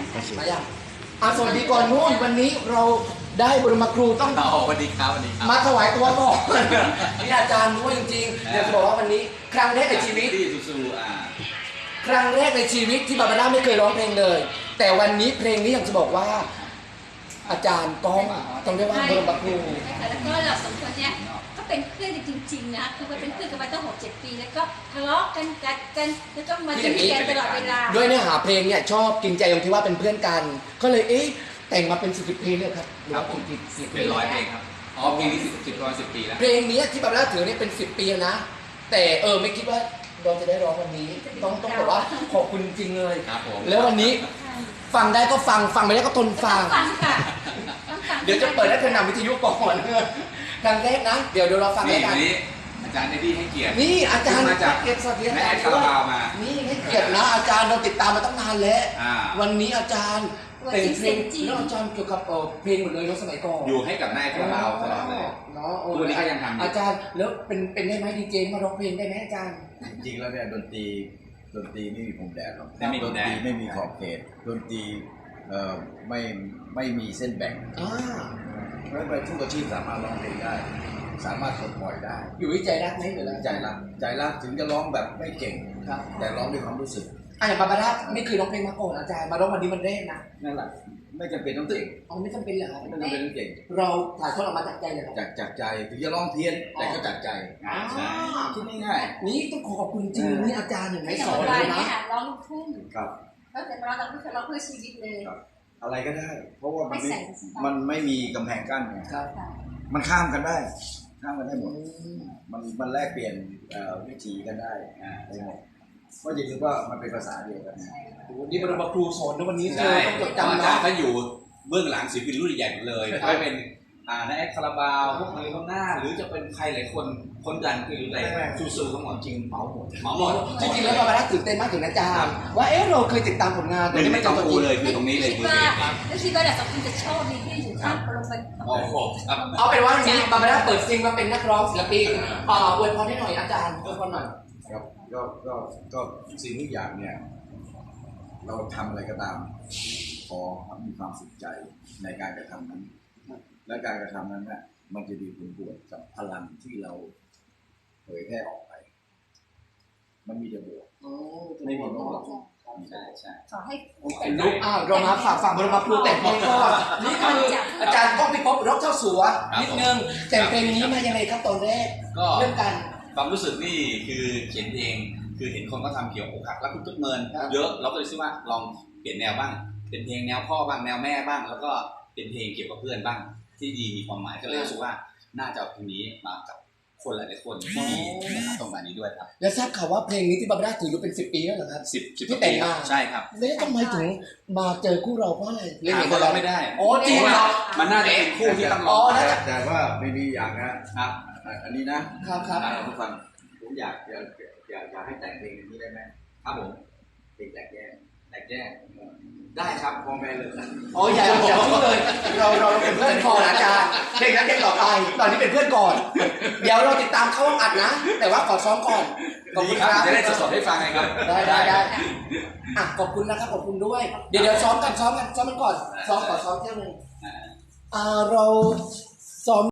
มาอย่างสวัสดีก่อนนู่นวันนี้เราได้บรมครูต้องสวัสดีครับสวัสดีครับมาถวายตัวก่อนนี่อาจารย์ด้วยจริงๆเดี๋ยวจะบอกว่าวันนี้ครั้งแรกในชีวิตที่ซูครั้งแรกในชีวิตที่บาบาร่าไม่เคยร้องเพลงเลย แต่วันนี้เพลงนี้อยากจะบอกว่า อาจารย์ต้องเรียกว่าบรมครูแล้วก็เราสองคนเนี่ยก็เป็นเพื่อนจริงๆนะคือเป็นเพื่อนกันมาตั้ง6-7 ปีแล้วก็ทะเลาะกันกัดกันแล้วก็มาดีกันตลอดเวลาด้วยเนื้อหาเพลงเนี่ยชอบกินใจตรงที่ว่าเป็นเพื่อนกันก็เลยแต่งมาเป็น10เพลงเลยครับหรือว่า10 เป็น100เพลงครับเพลงนี้10 ปีแล้วเพลงนี้ที่บาบาร่าถือเนี่ยเป็น10 ปีนะแต่ไม่คิดว่าเราจะได้ร้องวันนี้ต้องบอกว่าขอบคุณจริงเลยแล้ววันนี้ฟังได้ก็ฟังไม่ได้ก็ทนฟังเดี๋ยวจะเปิดให้เธอนำวิทยุก่อนครั้งแรกนะเดี๋ยวเราฟังได้กันอาจารย์ได้ที่ให้เกียรตินี่อาจารย์มาจากเกียรติสวัสดีอาจารย์คาราบาวมานี่ให้เกียรตินะอาจารย์เราติดตามมาตั้งนานแล้ววันนี้อาจารย์แต่งเพลงแล้วอาจารย์เกี่ยวกับเพลงหมดเลยเนาะสมัยก่อนอยู่ให้กับนายคาราบาวตลอดเลยเนาะตัวนี้ก็ยังทำอาจารย์แล้วเป็นได้ไหมดีเจมาร้องเพลงได้ไหมอาจารย์จริงแล้วเนี่ยดนตรีไม่มีพรมแดนหรอกไม่มีพรมแดนไม่มีขอบเขตดนตรีไม่มีเส้นแบ่งเพราะว่าทุกอาชีพสามารถร้องเพลงได้สามารถปลดปล่อยได้อยู่ที่ใจรักไหมหรือใจรักถึงจะร้องแบบไม่เก่งครับแต่ร้องด้วยความรู้สึกอย่างบาบาร่าไม่เคยร้องเพลงมาก่อนอาจารย์มาร้องวันนี้มันแรกนะนั่นแหละไม่จำเป็นต้องเก่งไม่จำเป็นเหรอไม่จำเป็นต้องเก่งเราถ่ายทอดออกมาจากใจเลยจากใจถึงจะร้องเพี้ยนแต่ก็จากใจคิดง่ายๆนี่ต้องขอบคุณจริงนี่อาจารย์อย่างไรสอนเลยนะร้องลูกทุ่งครับแล้วแต่เราเพื่อชีวิตเลยอะไรก็ได้เพราะว่ามันไม่มีกำแพงกั้นไงมันข้ามกันได้หมดมันแลกเปลี่ยนวิถีกันได้เพราะจริงๆว่ามันเป็นภาษาเดียวกันนี่บรมครูสอนในวันนี้ต้องจดจำนะถ้าอยู่เบื้องหลังศิลปินรุ่นใหญ่เลยไม่เป็นนายคาราบาวพวกมือข้างหน้าหรือจะเป็นใครหลายคนดันคืออะไรซูทั้งหมดจริงเหมาหมดจริงๆแล้วบาบาร่าตื่นเต้นมากถึงอาจารย์ว่าเราเคยติดตามผลงานแต่ไม่จำกูเลยคือตรงนี้เลยคือแล้วคิดว่าแต่สองคนจะชอบดีที่อยู่ข้างลงไปเอาเป็นว่าวันนี้บาบาร่าเปิดซิงมาเป็นนักร้องศิลปินอวยพรให้หน่อยอาจารย์อวยพรหน่อยครับก็สิ่งทุกอย่างเนี่ยเราทำอะไรก็ตามขอมีความสุขใจในการกระทำนั้นและการกระทำนั้นเนี่ยมันจะมีผลบวกกับพลังที่เราเผยแพร่ออกไปมันมีแต่บวกไม่มีลบใช่ขอให้เป็นลูกเรามาฝากบรมครูแต่งเพลงก่อนนี่คืออาจารย์ต้องไปพบร็อกเจ้าสัวนิดนึงแต่งเพลงนี้มายังไงครับตอนแรกเรื่องการความรู้สึกนี่คือเขียนเพลงคือเห็นคนก็ทำเกี่ยวกับอกหักรักทุกเมินเยอะเราก็เลยคิดว่าลองเปลี่ยนแนวบ้างเป็นเพลงแนวพ่อบ้างแนวแม่บ้างแล้วก็เป็นเพลงเกี่ยวกับเพื่อนบ้างที่ดีมีความหมายก็เลยรู้สึกว่าน่าจะเอาเพลงนี้มากับคนหลายๆคนที่มีตรงนี้ด้วยครับแล้วทราบข่าวว่าเพลงนี้ที่บาบาร่าถืออยู่เป็น10 ปีแล้วเหรอครับ 10 ที่แต่งมาใช่ครับแล้วทำไมถึงมาเจอคู่เราเพราะอะไรเล่นคนเราไม่ได้จริงเหรอมันน่าจะเป็นคู่ที่ต้องร้องแต่ว่าไม่มีอย่างนะครับอันนี้นะครับทุกคนผมอยากให้แต่งเพลงนี้ได้ไหมครับผมเพลงแตกแยกได้ครับพอแม่เลยอย่าพูดเลยเราเป็นเพื่อนก่อนอาจารย์เพลงนั้นเพลงต่อไปตอนนี้เป็นเพื่อนก่อนเดี๋ยวเราติดตามเข้าห้องอัดนะแต่ว่าขอซ้อมก่อนขอบคุณครับจะได้สดๆให้ฟังไงครับได้ขอบคุณนะครับขอบคุณด้วยเดี๋ยวซ้อมกันก่อนซ้อมเที่ยวนึงเราซ้อม